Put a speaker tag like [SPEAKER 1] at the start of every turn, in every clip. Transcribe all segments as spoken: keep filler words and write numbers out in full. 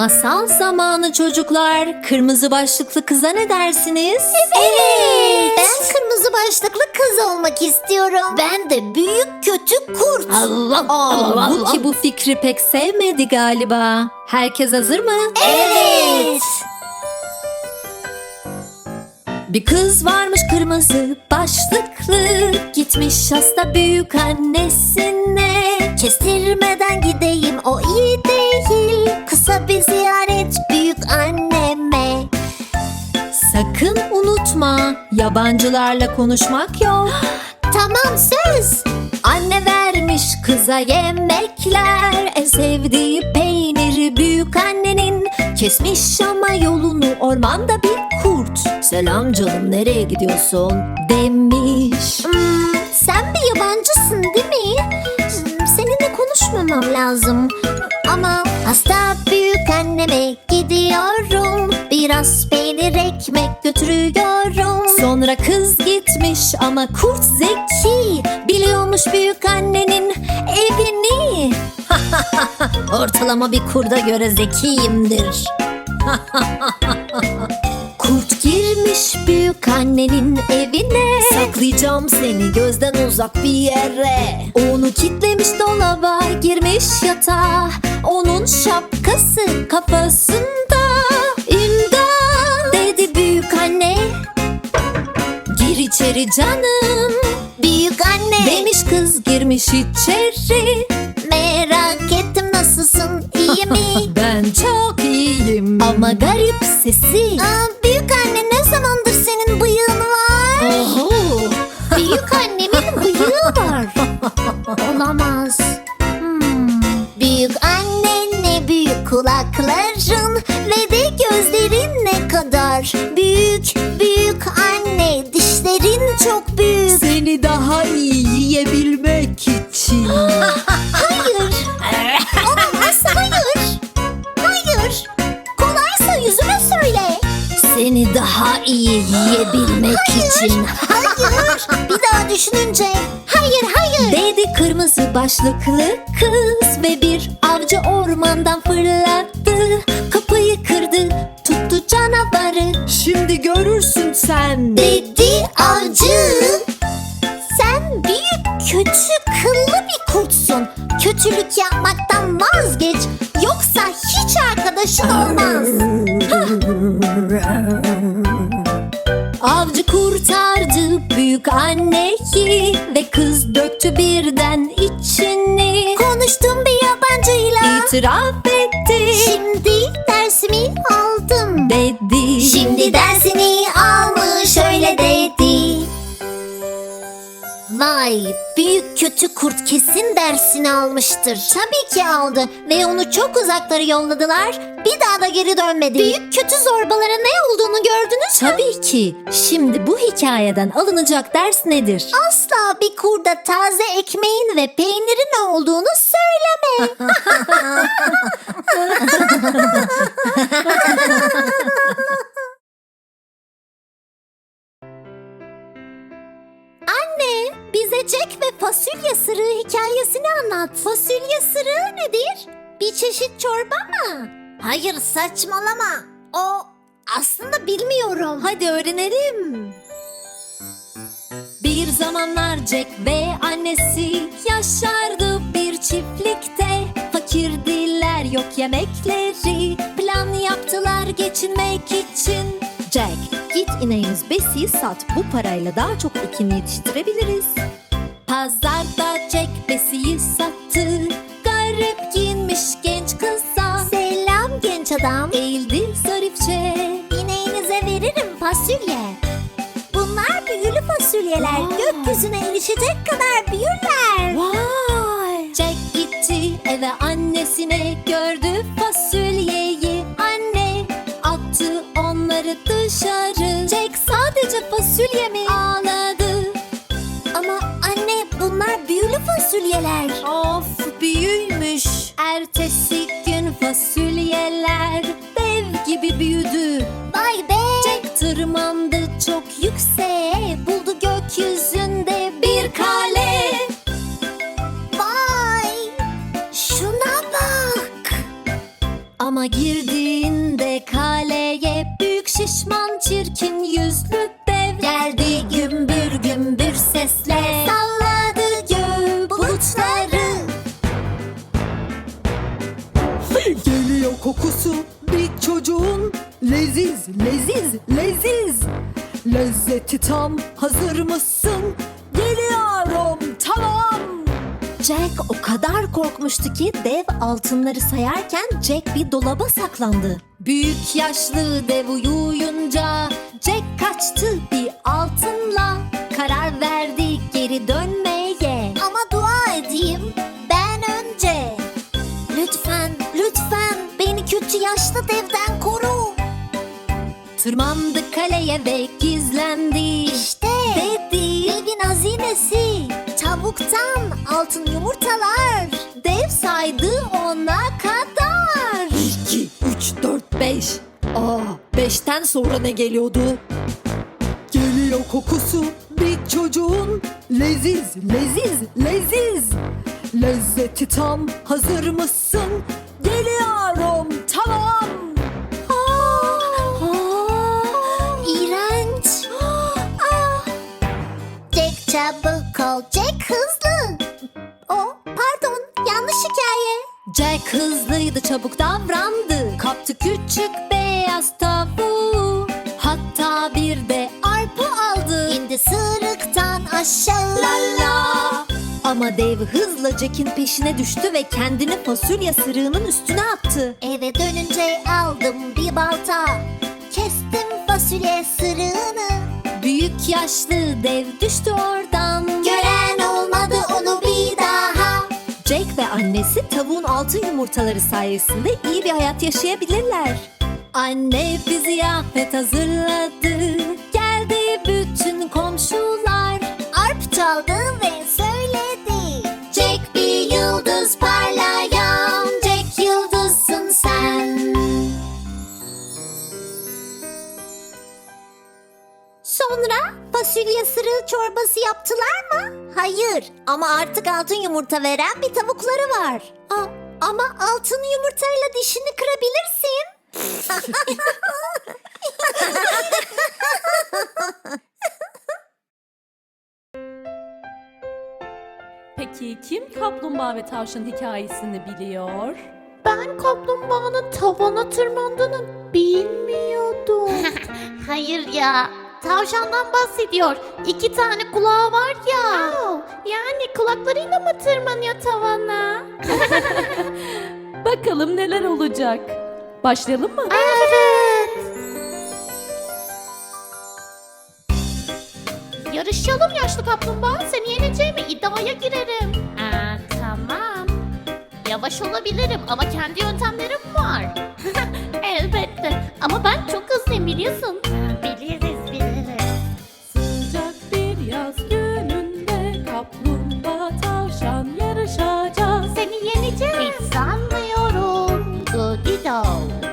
[SPEAKER 1] Masal zamanı çocuklar. Kırmızı başlıklı kıza ne dersiniz?
[SPEAKER 2] Evet. Ben kırmızı başlıklı kız olmak istiyorum. Ben de büyük kötü kurt.
[SPEAKER 1] Allah Allah. Bu ki bu fikri pek sevmedi galiba. Herkes hazır mı?
[SPEAKER 2] Evet.
[SPEAKER 1] Bir kız varmış kırmızı başlıklı, gitmiş hasta büyük annesine.
[SPEAKER 2] Kestirmeden gideyim, o iyi değil. Kısa bir ziyaret büyük anneme.
[SPEAKER 1] Sakın unutma, yabancılarla konuşmak yok.
[SPEAKER 2] Tamam, söz.
[SPEAKER 1] Anne vermiş kıza yemekler, en sevdiği peyniri büyük annenin. Kesmiş ama yolunu ormanda bir kurt. Selam canım, nereye gidiyorsun demiş.
[SPEAKER 2] Hmm, sen bir yabancısın değil mi? Hmm, Seninle konuşmamam lazım. Ama hasta büyük anneme gidiyorum. Biraz peynir ekmek götürüyorum.
[SPEAKER 1] Sonra kız gitmiş ama kurt zeki, biliyormuş büyük annenin evini. Ortalama bir kurda göre zekiyimdir. Kurt girmiş büyük annenin evine. Saklayacağım seni gözden uzak bir yere. Onu kitlemiş dolaba, girmiş yatağa. Onun şapkası kafasında. İmdat dedi büyük anne, gir içeri canım.
[SPEAKER 2] Büyük anne
[SPEAKER 1] Demiş kız, girmiş içeri.
[SPEAKER 2] merak ettim, nasılsın, iyi mi?
[SPEAKER 1] Ben çok iyiyim. Ama garip sesi.
[SPEAKER 2] Aa, büyük anne, ne zamandır senin bıyığın var?
[SPEAKER 1] Oho.
[SPEAKER 2] Büyük annemin bıyığı var. Olamaz. Hmm. Büyük anne, ne büyük kulakların ve de gözlerin ne kadar büyük. Büyük anne, dişlerin çok büyük.
[SPEAKER 1] Seni daha iyi yiyebilmek için.
[SPEAKER 2] Hayır. Olamaz, hayır. Hayır. Kolaysa yüzüme söyle.
[SPEAKER 1] Seni daha iyi yiyebilmek için.
[SPEAKER 2] Hayır. Bir daha düşününce. Hayır, hayır.
[SPEAKER 1] Dedi kırmızı başlıklı kız ve bir avcı ormandan fırlattı. Kapıyı kırdı, tuttu canavarı. Şimdi görürsün sen.
[SPEAKER 2] Dedi avcı. Sen büyük kötü kıllı bir kurtsun. Kötülük yapmaktan vazgeç, yoksa hiç arkadaşın olmaz.
[SPEAKER 1] Avcı kurtardı büyük anneyi ve kız döktü birden içini.
[SPEAKER 2] Konuştum bir yabancıyla.
[SPEAKER 1] İtiraf etti.
[SPEAKER 2] Şimdi dersimi aldım
[SPEAKER 1] Dedi.
[SPEAKER 2] Şimdi dersini almış, öyle dedi. Vay, büyük kötü kurt kesin dersini almıştır. Tabii ki aldı ve onu çok uzaklara yolladılar. Bir daha da geri dönmedi. Büyük kötü zorbalara ne olduğunu gördünüz mü?
[SPEAKER 1] Tabii ki. Şimdi bu hikayeden alınacak ders nedir?
[SPEAKER 2] Asla bir kurda taze ekmeğin ve peynirin olduğunu söyleme. Anne, bize Jack ve fasulye sırığı hikayesini anlat. Fasulye sırığı nedir? Bir çeşit çorba mı? Hayır, saçmalama. O aslında bilmiyorum.
[SPEAKER 1] Hadi öğrenelim. Bir zamanlar Jack ve annesi yaşardı bir çiftlikte. Fakirdiler, yok yemekleri. Plan yaptılar geçinmek için. Jack, git ineğimiz Bessie'yi sat. Bu parayla daha çok ekin yetiştirebiliriz. Pazarda Jack Bessie'yi sattı. Garip giyinmiş genç kıza
[SPEAKER 2] Selam genç adam.
[SPEAKER 1] eğildi zarifçe.
[SPEAKER 2] İneğinize veririm fasulye. Bunlar büyülü fasulyeler.
[SPEAKER 1] Vay.
[SPEAKER 2] Gökyüzüne erişecek kadar büyürler.
[SPEAKER 1] Vay! Jack gitti eve, annesine gördü fasulyeyi. Anne attı onları dışarı. Jack sadece fasulye mi ağladı?
[SPEAKER 2] Ama anne, bunlar büyülü fasulyeler.
[SPEAKER 1] Of, büyüymüş. Ertesi gün fasulyeler dev gibi büyüdü.
[SPEAKER 2] Vay be.
[SPEAKER 1] Jack tırmandı çok yükseğe, buldu gökyüzünde bir kale.
[SPEAKER 2] Vay. Şuna bak.
[SPEAKER 1] Ama girdi
[SPEAKER 3] Lezzeti tam, hazır mısın? Geliyorum, tamam.
[SPEAKER 1] Jack o kadar korkmuştu ki dev altınları sayarken Jack bir dolaba saklandı. Büyük yaşlı dev uyuyunca Jack kaçtı bir altınla. Karar verdi geri dönmeye.
[SPEAKER 2] Ama dua edeyim ben önce. Lütfen, lütfen beni kötü yaşlı devden koru.
[SPEAKER 1] Tırmandı kaleye ve gizlendi.
[SPEAKER 2] İşte
[SPEAKER 1] Dedi
[SPEAKER 2] devin hazinesi. Tavuktan altın yumurtalar.
[SPEAKER 1] dev saydı ona kadar.
[SPEAKER 3] iki, üç, dört, beş. Aa, beşten sonra ne geliyordu? Geliyor kokusu bir çocuğun. Leziz, leziz, leziz. Lezzeti tam, hazır mısın? Geliyorum, tamam.
[SPEAKER 2] Aa, İğrenç. Aa. Jack çabuk ol, Jack hızlı. O, pardon, yanlış hikaye.
[SPEAKER 1] Jack hızlıydı, çabuk davrandı. Kaptı küçük beyaz tavuğu. Hatta bir de arpa aldı.
[SPEAKER 2] İndi sırıktan aşağı.
[SPEAKER 1] La la. Ama dev hızla Jack'in peşine düştü ve kendini fasulye sırığının üstüne attı.
[SPEAKER 2] Eve dönünce aldım bir balta. Kestim fasulye sırığını.
[SPEAKER 1] Büyük yaşlı dev düştü oradan.
[SPEAKER 2] Gören olmadı onu bir daha.
[SPEAKER 1] Jack ve annesi tavuğun altın yumurtaları sayesinde iyi bir hayat yaşayabilirler. Anne bir ziyafet hazırladı. Geldi bütün komşular.
[SPEAKER 2] Arp çaldı ve söyledi. Jack bir yıldız parlayan. Jack yıldızsın sen. Sonra fasulye sırığı çorbası yaptılar mı? Hayır, ama artık altın yumurta veren bir tavukları var. Aa, ama altın yumurtayla dişini kırabilirsin.
[SPEAKER 4] Peki kim kaplumbağa ve tavşan hikayesini biliyor?
[SPEAKER 5] Ben kaplumbağanın tavana tırmandığını bilmiyordum. Hayır ya, tavşandan bahsediyor. İki tane kulağı var ya. Yani kulaklarıyla mı tırmanıyor tavana?
[SPEAKER 4] Bakalım neler olacak. Başlayalım mı?
[SPEAKER 5] Evet. Yarışalım yaşlı kaplumbağa. Seni yeneceğime iddiaya girerim. Aa, tamam. Yavaş olabilirim ama kendi yöntemlerim var. Elbette. Ama ben çok hızlıyım biliyorsun. Biliriz biliriz.
[SPEAKER 4] Sıcak bir yaz gününde kaplumbağa tavşan yarışacak.
[SPEAKER 5] Seni yeneceğim. Hiç sanmıyorum. Goodido.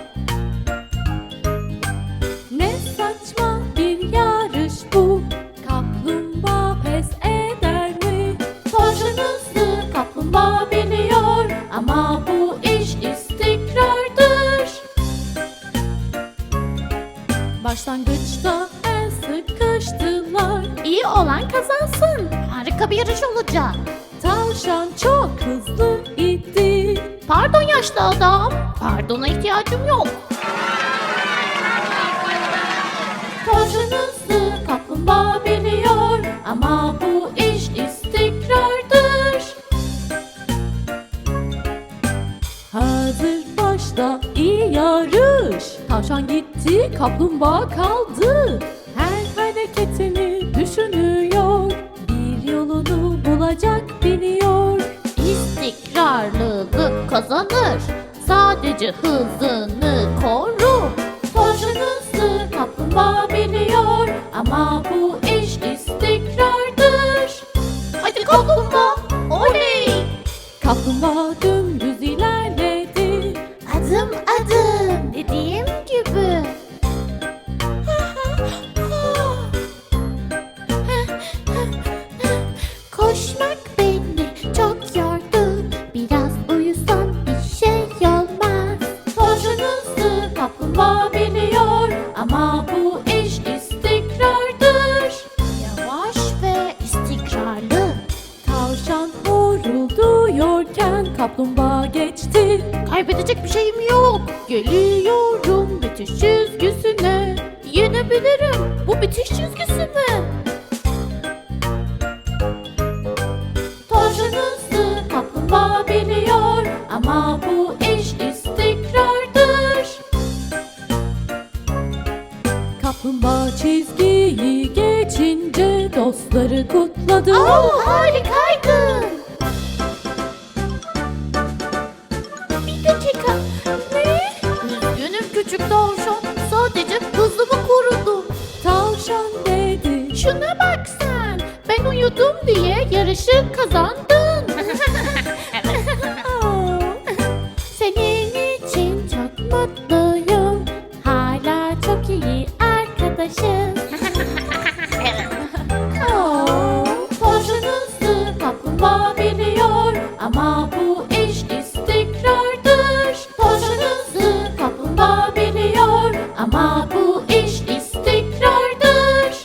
[SPEAKER 4] Ne saçma bir yarış bu. Kaplumbağa pes eder mi? Tavşan hızlı, kaplumbağa biliyor. Ama bu iş istikrardır. Başlangıçta el sıkıştılar.
[SPEAKER 5] İyi olan kazansın. Harika bir yarış olacak.
[SPEAKER 4] Tavşan çok hızlı idi.
[SPEAKER 5] Pardon yaşlı adam. Pardona ihtiyacım yok.
[SPEAKER 4] Tavşan hızlı, kaplumbağa biliyor. Ama bu iş istikrardır. Hazır başla iyi yarış. Tavşan gitti, kaplumbağa kaldı. Her hareketini düşünüyor. Bir yolunu bulacak biliyor.
[SPEAKER 5] İstikrarlılık kazanır. Sadece hızını koru.
[SPEAKER 4] Tavşan hızlı, kaplumbağa biliyor. Ama bu iş istikrardır.
[SPEAKER 5] Hadi kaplumbağa. Oley.
[SPEAKER 4] Kaplumbağa dümdüz ilerledi.
[SPEAKER 5] Adım adım dediğim gibi. Koşmak beni çok yordu. Biraz uyusam bir şey olmaz.
[SPEAKER 4] Tavşan hızlı, kaplumbağa biliyor. Ama bu iş istikrardır.
[SPEAKER 5] Yavaş ve istikrarlı.
[SPEAKER 4] Tavşan horulduyorken kaplumbağa geçti.
[SPEAKER 5] Kaybedecek bir şeyim yok. Geliyorum bitiş çizgisine. Yenebilirim bu bitiş çizgisine.
[SPEAKER 4] yarışı kutladı.
[SPEAKER 5] Oh, harikaydı. Bir dakika. Ne? Üzgünüm küçük tavşan. Sadece hızımı korudum.
[SPEAKER 4] Tavşan dedi.
[SPEAKER 5] Şuna bak sen. Ben uyudum diye yarışı kazandın. Senin için çok mutluyum. Hala çok iyi arkadaşız.
[SPEAKER 4] Aa,
[SPEAKER 5] Tavşan hızlı kaplumbağa biliyor ama bu iş istikrardır. Tavşan hızlı kaplumbağa biliyor ama bu iş istikrardır.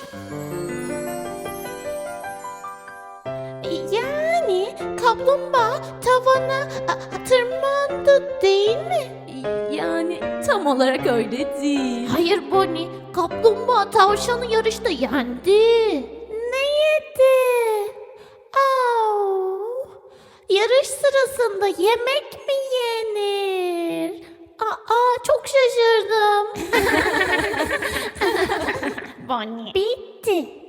[SPEAKER 5] Yani kaplumbağa tavana a, tırmandı değil mi?
[SPEAKER 4] yani tam olarak öyle değil.
[SPEAKER 5] Hayır Bonnie, kaplumbağa tavşanı yarışta yendi. Ne yedi? Au! Yarış sırasında yemek mi yenir? Aa, çok şaşırdım. Bonnie. Bitti.